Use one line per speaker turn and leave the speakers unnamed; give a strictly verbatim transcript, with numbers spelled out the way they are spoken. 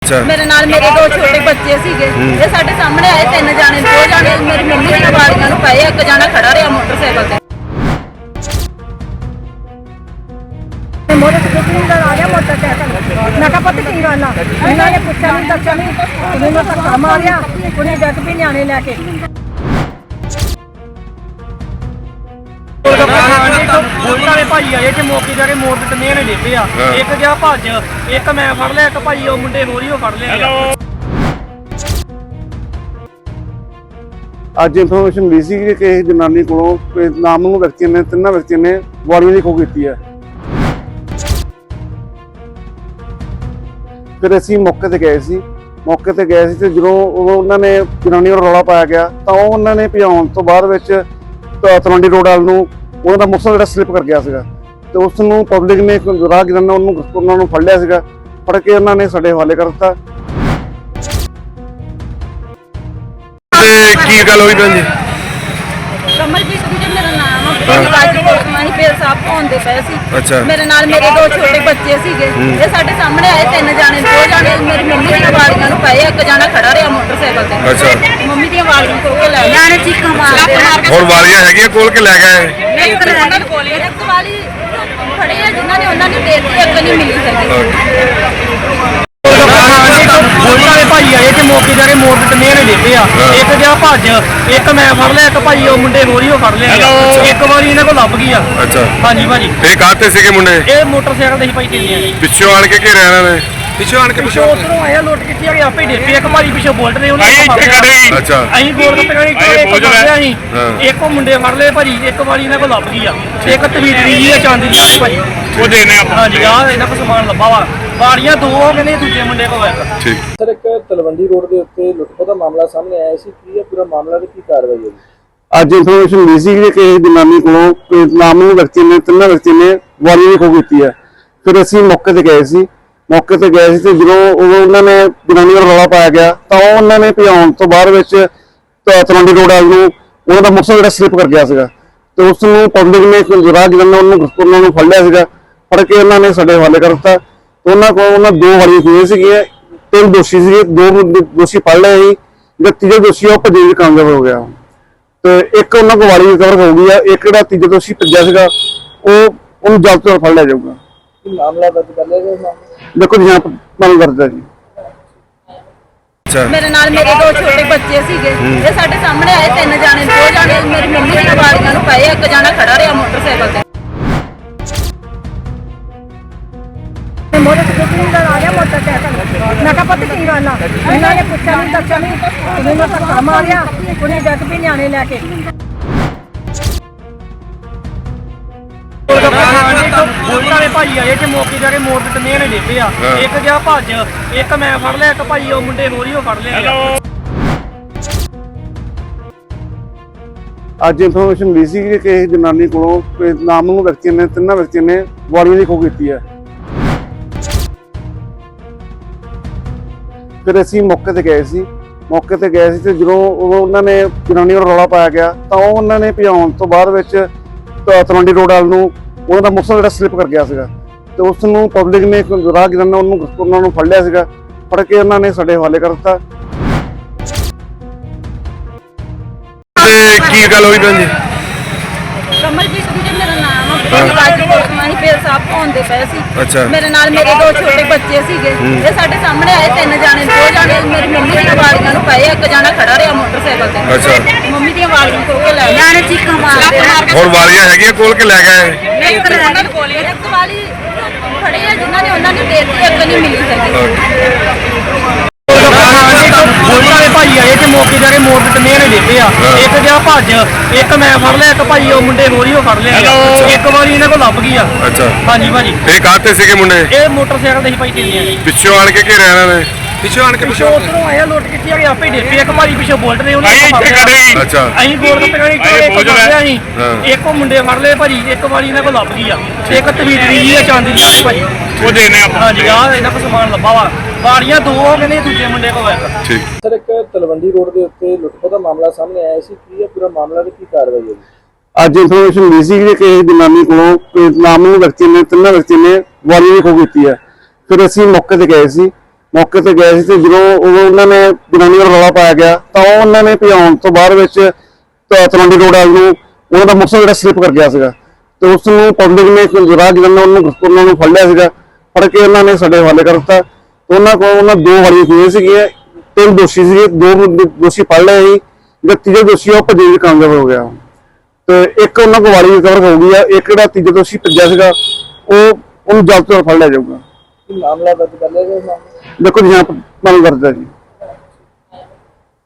अच्छा
मेरे नाल मेरे दो छोटे बच्चे सीगे ये साडे सामने आए तीन जाने दो जाने मेरी मम्मी दी वालियां नूं पए एक जाना खड़ा रहा मोटरसाइकिल ते मोरे से कितनी आ गया मोटरसाइकिल मैं कहा पता की गल आ इन्होंने पूछा नहीं दस्या नहीं उन्होंने धक्का मारिया उन्हें जग भी न्याणे लैके भाई आए जो मौके जाके मोड़ ते मेरे देते आ एक गया भज एक मैं फड़ लिया एक भाई वो मुंडे होर ही फड़ लिया
ਅੱਜ ਇਨਫੋਰਮੇਸ਼ਨ ਮਿਲੀ ਸੀ ਕਿ ਕਿਸੇ ਜਨਾਨੀ ਕੋਲੋਂ ਕੋਈ ਨਾਮਨੂ ਵਿਅਕਤੀ ਨੇ ਤਿੰਨਾਂ ਵਿਅਕਤੀਆਂ ਨੇ ਵਾਰਨਿੰਗ ਦੀ ਖੋਹ ਕੀਤੀ ਹੈ। ਫਿਰ ਅਸੀਂ ਮੌਕੇ ਤੇ ਗਏ ਸੀ ਮੌਕੇ ਤੇ ਗਏ ਸੀ ਤੇ ਜਦੋਂ ਉਹਨਾਂ ਨੇ ਜਨਾਨੀ ਨੂੰ ਰੌਲਾ ਪਾਇਆ ਗਿਆ ਤਾਂ ਉਹ ਉਹਨਾਂ ਨੇ ਭਜਾਉਣ ਤੋਂ ਬਾਅਦ ਵਿੱਚ ਤਲਵੰਡੀ ਰੋਡ ਵੱਲ ਨੂੰ ਉਹਨਾਂ ਦਾ ਮੋਟਰਸਾਈਕਲ ਜਿਹੜਾ ਸਲਿੱਪ ਕਰ ਗਿਆ ਸੀਗਾ ਤੇ ਉਸ ਨੂੰ ਪਬਲਿਕ ਨੇ ਰਾਹਗੀਰਾਂ ਨੇ ਉਹਨੂੰ ਉਹਨਾਂ ਨੂੰ ਫੜ ਲਿਆ ਸੀਗਾ ਫੜ ਕੇ ਉਹਨਾਂ ਨੇ ਸਾਡੇ ਹਵਾਲੇ ਕਰ ਦਿੱਤਾ।
ਕੀ ਗੱਲ ਹੋਈ ਭੈਣ ਜੀ?
कमलजीत जी मेरा नाम है राजी कोटवानी फिर साहब होंदे पे सी
अच्छा
मेरे नाल मेरे दो छोटे बच्चे सीगे ये साडे सामने आए तीन जाने दो जाने मेरी मम्मी दी वालियां नूं पए एक जाना खड़ा रहा मोटरसाइकिल ते
अच्छा
मम्मी दी वालियां को के ले जाने चीखा मारदे
और वालियां हैगियां कोल के ले गए
एक उन्हां कोल एक वाली खड़े है जिन्हां ने उन्हां ने देती एक नहीं मिली सकी भाई आए जो मौके जाके मोड़ ते मेरे देते आ एक गया भज एक मैं फड़ लिया एक भाई वो मुंडे होर ही फड़ लिया एक बार इन्हां को लभ गई आ
अच्छा हाँ जी
भाजी
ये काते सीगे मुंडे
ये मोटरसाइकिल ते भाई चलिए
पिछों आण के घेरिया इन्हां ने पिछों आण के पिछों
उधरों आया लुट के आ आपे डेपे एक भाई पिछों बोल्ट ने उन्होंने
अच्छा
ਅਸੀਂ ਗੋਲ ਗੱਪੇ ਖਾਣੀ ਇੱਕ ਫੜਿਆ ਸੀ ਇੱਕ ਉਹ ਮੁੰਡੇ ਫੜ ਲਏ ਭਾਜੀ ਇੱਕ ਵਾਰੀ ਇਹਨਾਂ ਕੋਲ ਲੱਭ ਗਈ ਆ ਇੱਕ ਤਵੀਤਰੀ ਜੀ ਆ ਚਾਂਦੀ ਦੀ ਭਾਜੀ
ਉਹ ਦੇਨੇ ਆਪਾਂ
ਹਾਂਜੀ ਆ ਇਹਨਾਂ ਕੋਲ ਸਮਾਨ ਲੱਭਾ ਵਾ ਬਾੜੀਆਂ ਦੋ ਕਹਿੰਦੇ ਦੂਜੇ ਮੁੰਡੇ ਕੋਲ ਆ
ਠੀਕ
ਸਰ ਇੱਕ ਤਲਵੰਡੀ ਰੋਡ ਦੇ ਉੱਤੇ ਲੁੱਟਖੋ ਦਾ ਮਾਮਲਾ ਸਾਹਮਣੇ ਆਇਆ ਸੀ ਕੀ ਇਹ ਪੂਰਾ ਮਾਮਲਾ ਤੇ ਕੀ ਕਾਰਵਾਈ ਹੋਈ?
ਅੱਜ ਇਨਫੋਰਮੇਸ਼ਨ ਮਿਲੀ ਸੀ ਕਿ ਕਿਸੇ ਜਨਾਨੀ ਕੋਲੋਂ ਕੋਈ ਨਾਮਨੂ ਵਿਅਕਤੀ ਨੇ ਤਿੰਨਾਂ ਵਿਅਕਤੀਆਂ ਨੇ ਵਾਰਨਿੰਗ ਦੀ ਖੋਹ ਕੀਤੀ ਹੈ। ਫਿਰ ਅਸੀਂ ਮੌਕੇ ਤੇ ਗਏ ਸੀ ਮੌਕੇ ਤੇ ਗਏ ਸੀ ਤੇ ਜਦੋਂ ਉਹਨਾਂ ਨੇ ਜਨਾਨੀ ਨੂੰ ਰੌਲਾ ਪਾਇਆ ਗਿਆ ਤਾਂ ਉਹ ਉਹਨਾਂ ਨੇ ਭਜਾਉਣ ਤੋਂ ਬਾਅਦ ਵਿੱਚ ਤਲਵੰਡੀ ਰੋਡ ਵੱਲ ਨੂੰ ਉਹਨਾਂ ਦਾ ਮੋਟਰਸਾਈਕਲ ਜਿਹੜਾ ਸਲਿੱਪ ਕਰ ਗਿਆ ਸੀਗਾ ਤੇ ਉਸ ਨੂੰ ਪਬਲਿਕ ਨੇ ਰਾਹਗੀਰਾਂ ਨੇ ਉਹਨੂੰ ਉਹਨਾਂ ਨੂੰ ਫੜ ਲਿਆ ਸੀਗਾ ਫੜ ਕੇ ਉਹਨਾਂ ਨੇ ਸਾਡੇ ਹਵਾਲੇ ਕਰ ਦਿੱਤਾ। ਉਹਨਾਂ ਕੋਲ ਉਹਨਾਂ ਦੋ ਵਾਲੀਆਂ ਖੋਹੀਆਂ ਸੀਗੀਆਂ ਤਿੰਨ ਦੋਸ਼ੀ ਸੀਗੇ ਦੋ ਦੋਸ਼ੀ ਫੜ ਲਏ ਸੀ ਜਿਹੜਾ ਤੀਜਾ ਦੋਸ਼ੀ ਉਹ ਭੱਜਣ ਵਿੱਚ ਕਾਮਯਾਬ ਹੋ ਗਿਆ ਤੇ ਇੱਕ ਉਹਨਾਂ ਕੋਲ ਵਾਲੀ ਰਿਕਵਰ ਹੋ ਗਈ ਆ ਇੱਕ ਜਿਹੜਾ ਤੀਜਾ ਦੋਸ਼ੀ ਭੱਜਿਆ ਸੀਗਾ ਉਹ ਉਹਨੂੰ ਜਲਦ ਤੋਂ ਫੜ ਲਿਆ ਜਾਊਗਾ।
ਮਾਮਲਾ ਦਰਜ ਕਰ ਲਿਆ ਗਿਆ?
ਦੇਖੋ ਜੀ ਹਾਂ ਮਾਮਲਾ ਦਰਜ ਹੈ ਜੀ।
अच्छा
ਮੇਰੇ ਨਾਲ ਮੇਰੇ ਦੋ ਛੋਟੇ ਬੱਚੇ ਸੀਗੇ ਇਹ ਸਾਡੇ ਸਾਹਮਣੇ ਆਏ ਤਿੰਨ ਜਾਣੇ ਦੋ ਜਾਣੇ ਮੇਰੀ ਮੰਮੀ ਦੀਆਂ ਵਾਲੀਆਂ ਨੂੰ ਪਏ ਇੱਕ ਜਾਣਾ ਖੜਾ ਰਿਹਾ ਮੋਟਰਸਾਈਕਲ ਤੇ ਮੋਰੇ ਤੇ ਕਿੰਨੀ ਆ ਗਿਆ ਮੋਟਰਸਾਈਕਲ ਮੈਂ ਕਹਾ ਪਤਾ ਕੀ ਗੱਲ ਆ ਇਹਨਾਂ ਨੇ ਪੁੱਛਿਆ ਨਹੀਂ ਦੱਸਿਆ ਨਹੀਂ ਉन्होंने ਧੱਕਾ ਮਾਰਿਆ ਉਹਨੇ ਜੱਗ ਵੀ ਨਿਆਣੇ ਲੈ ਕੇ ਭਾਈ ਆਏ ਜੋ ਮੌਕੇ ਜਾਕੇ ਮੋੜ ਤੇ ਮੇਰੇ ਦੇਤੇ ਆ ਇੱਕ ਗਿਆ ਭਜ ਇੱਕ ਮੈਂ ਫੜ ਲਿਆ ਇੱਕ ਭਾਈ ਉਹ ਮੁੰਡੇ ਹੋਰ ਹੀ ਫੜ ਲਿਆ।
ਅੱਜ ਇਨਫੋਰਮੇਸ਼ਨ ਮਿਲੀ ਸੀ ਕਿ ਕਿਸੇ ਜਨਾਨੀ ਕੋਲੋਂ ਕੋਈ ਨਾਮਨੂ ਵਿਅਕਤੀ ਨੇ ਤਿੰਨਾਂ ਵਿਅਕਤੀਆਂ ਨੇ ਵਾਰਨਿੰਗ ਦੀ ਖੋਹ ਕੀਤੀ ਹੈ। ਫਿਰ ਅਸੀਂ ਮੌਕੇ ਤੇ ਗਏ ਸੀ ਮੌਕੇ ਤੇ ਗਏ ਸੀ ਤੇ ਜਦੋਂ ਉਹਨਾਂ ਨੇ ਜਨਾਨੀ ਨੂੰ ਰੌਲਾ ਪਾਇਆ ਗਿਆ ਤਾਂ ਉਹ ਉਹਨਾਂ ਨੇ ਭਜਾਉਣ ਤੋਂ ਬਾਅਦ ਵਿੱਚ ਤਲਵੰਡੀ ਰੋਡ ਵੱਲ ਨੂੰ ਉਹਨਾਂ ਦਾ ਮੋਟਰਸਾਈਕਲ ਜਿਹੜਾ ਸਲਿੱਪ ਕਰ ਗਿਆ ਸੀਗਾ ਤੇ ਉਸ ਨੂੰ ਪਬਲਿਕ ਨੇ ਰਾਹਗੀਰਾਂ ਨੇ ਉਹਨੂੰ ਉਹਨਾਂ ਨੂੰ ਫੜ ਲਿਆ ਸੀਗਾ ਫੜ ਕੇ ਉਹਨਾਂ ਨੇ ਸਾਡੇ ਹਵਾਲੇ ਕਰ ਦਿੱਤਾ।
ਕੀ ਗੱਲ ਹੋਈ ਭੈਣ ਜੀ?
ਕਮਲਜੀਤ ਜੀ ਮੇਰਾ ਨਾਮ ਹੈ ਰਾਜੀ ਕੋਟਵਾਨੀ ਫਿਰ ਸਾਹਬ ਹੋਂਦੇ ਪਏ ਸੀ
अच्छा
ਮੇਰੇ ਨਾਲ ਮੇਰੇ ਦੋ ਛੋਟੇ ਬੱਚੇ ਸੀਗੇ ਇਹ ਸਾਡੇ ਸਾਹਮਣੇ ਆਏ ਤਿੰਨ ਜਾਣੇ ਦੋ ਜਾਣੇ ਮੇਰੀ ਮੰਮੀ ਦੀਆਂ ਵਾਲੀਆਂ ਨੂੰ ਪਏ ਇੱਕ ਜਾਣਾ ਖੜਾ ਰਿਹਾ ਮੋਟਰਸਾਈਕਲ ਤੇ
अच्छा
ਮੰਮੀ ਦੀਆਂ ਵਾਲੀਆਂ ਕੋ ਕੇ ਲੈ ਜਾਣੇ ਚੀਖਾ ਮਾਰਦੇ
और वालियां हैगियां कोल के ले गए
ਇੱਕ ਉन्हां ਕੋਲ ਇੱਕ ਵਾਲੀ ਖੜੇ ਆ ਜਿਨ੍ਹਾਂ ਨੇ ਉਹਨਾਂ ਨੇ ਦੇਤੀ ਇੱਕ ਨਹੀਂ ਮਿਲੀ ਸਕੀ ਭਾਈ ਆਏ ਜੋ ਮੌਕੇ ਜਾਕੇ ਮੋੜ ਤੇ ਮੇਰੇ ਦੇਤੇ ਆ ਇੱਕ ਗਿਆ ਭਜ ਇੱਕ ਮੈਂ ਫੜ ਲਿਆ ਇੱਕ ਭਾਈ ਉਹ ਮੁੰਡੇ ਹੋਰ ਹੀ ਫੜ ਲਿਆ ਇੱਕ ਵਾਰੀ ਇਹਨਾਂ ਕੋਲ ਲੱਭ ਗਈ ਆ
अच्छा
ਹਾਂਜੀ ਭਾਜੀ
ये काते सीगे मुंडे
ਇਹ ਮੋਟਰਸਾਈਕਲ ਤੇ ਭਾਈ ਚਲਿए
पिछों आण के घेरिया इन्हां ने पिछों आण के पिछों
ਉਧਰੋਂ ਆਇਆ ਲੁੱਟ ਕੇ ਆ ਆਪੇ ਡੇਪੇ ਇੱਕ ਭਾਜੀ ਪਿਛੋਂ ਬੋਲਟ ਨੇ ਉਹਨੇ
अच्छा
ਅਸੀਂ ਗੋਲ ਗੱਪੇ ਖਾਣੀ ਇੱਕ ਫੜਿਆ ਸੀ ਇੱਕ ਉਹ ਮੁੰਡੇ ਫੜ ਲਏ ਭਾਜੀ ਇੱਕ ਵਾਰੀ ਇਹਨਾਂ ਕੋਲ ਲੱਭ ਗਈ ਆ ਇੱਕ ਤਵੀਤਰੀ ਜੀ ਆ ਚਾਂਦੀ ਦੀ ਭਾਜੀ
ਉਹ ਦੇਨੇ ਆਪਾਂ
ਹਾਂਜੀ ਆ ਇਹਨਾਂ ਕੋਲ ਸਮਾਨ ਲੱਭਾ ਵਾ ਬਾੜੀਆਂ ਦੋ ਕਹਿੰਦੇ ਦੂਜੇ ਮੁੰਡੇ ਕੋਲ ਆ
ठीक
ਸਰ ਇੱਕ ਤਲਵੰਡੀ ਰੋਡ ਦੇ ਉੱਤੇ ਲੁੱਟਖੋ ਦਾ ਮਾਮਲਾ ਸਾਹਮਣੇ ਆਇਆ ਸੀ ਕੀ ਇਹ ਪੂਰਾ ਮਾਮਲਾ ਤੇ ਕੀ ਕਾਰਵਾਈ ਹੋਈ?
ਅੱਜ ਇਨਫੋਰਮੇਸ਼ਨ ਮਿਲੀ ਸੀ ਕਿ ਕਿਸੇ ਜਨਾਨੀ ਕੋਲੋਂ ਕੋਈ ਨਾਮਨੂ ਵਿਅਕਤੀ ਨੇ ਤਿੰਨਾਂ ਵਿਅਕਤੀਆਂ ਨੇ ਵਾਰਨਿੰਗ ਦੀ ਖੋਹ ਕੀਤੀ ਹੈ। ਫਿਰ ਅਸੀਂ ਮੌਕੇ ਤੇ ਗਏ ਸੀ ਮੌਕੇ ਤੇ ਗਏ ਸੀ ਤੇ ਜਦੋਂ ਉਹ ਉਹਨਾਂ ਨੇ ਜਨਾਨੀ ਦਾ ਰੌਲਾ ਪਾਇਆ ਗਿਆ ਤਾਂ ਉਹ ਉਹਨਾਂ ਨੇ ਭਜਾਉਣ ਤੋਂ ਬਾਅਦ ਵਿੱਚ ਤ- ਤਲਵੰਡੀ ਰੋਡ ਵੱਲ ਨੂੰ ਉਹਨਾਂ ਦਾ ਮੋਟਰਸਾਈਕਲ ਜਿਹੜਾ ਸਲਿੱਪ ਕਰ ਗਿਆ ਸੀਗਾ ਤੇ ਉਸ ਨੂੰ ਪਬਲਿਕ ਨੇ ਰਾਹ ਜਿਹਨਾਂ ਨੇ ਉਹਨੂੰ ਉਹਨਾਂ ਨੂੰ ਫੜ ਲਿਆ ਸੀਗਾ। ਫੜ ਕੇ ਉਹਨਾਂ ਨੇ ਸਾਡੇ ਹਵਾਲੇ ਕਰ ਦਿੱਤਾ। ਉਹਨਾਂ ਕੋਲ ਉਹਨਾਂ ਦੋ ਵਾਰੀਆਂ ਹੋਈਆਂ ਸੀਗੀਆਂ, ਤਿੰਨ ਦੋਸ਼ੀ ਸੀਗੇ, ਦੋ ਦੋਸ਼ੀ ਫੜ ਲਏ ਸੀ, ਜਿਹੜਾ ਤੀਜਾ ਦੋਸ਼ੀ ਆ ਉਹ ਭੱਜੇ ਵਿੱਚ ਕਾਮਯਾਬ ਹੋ ਗਿਆ ਤੇ ਇੱਕ ਉਹਨਾਂ ਕੋਲ ਵਾਰੀ ਰਿਕਵਰ ਹੋ ਗਈ ਆ। ਇੱਕ ਜਿਹੜਾ ਤੀਜਾ ਦੋਸ਼ੀ ਭੱਜਿਆ ਸੀਗਾ ਉਹ ਉਹਨੂੰ ਜਲਦ ਤੋਂ ਜਲਦ ਫੜ ਲਿਆ ਜਾਊਗਾ।
ਕੀ ਮਾਮਲਾ ਦਰਜ ਕਰ ਲਿਆ ਗਿਆ ਇਸ ਮਾਮਲੇ 'ਚ?
ਦੇਖੋ ਜੀ ਹਾਂ ਮਾਮਲਾ ਦਰਜ ਹੈ ਜੀ।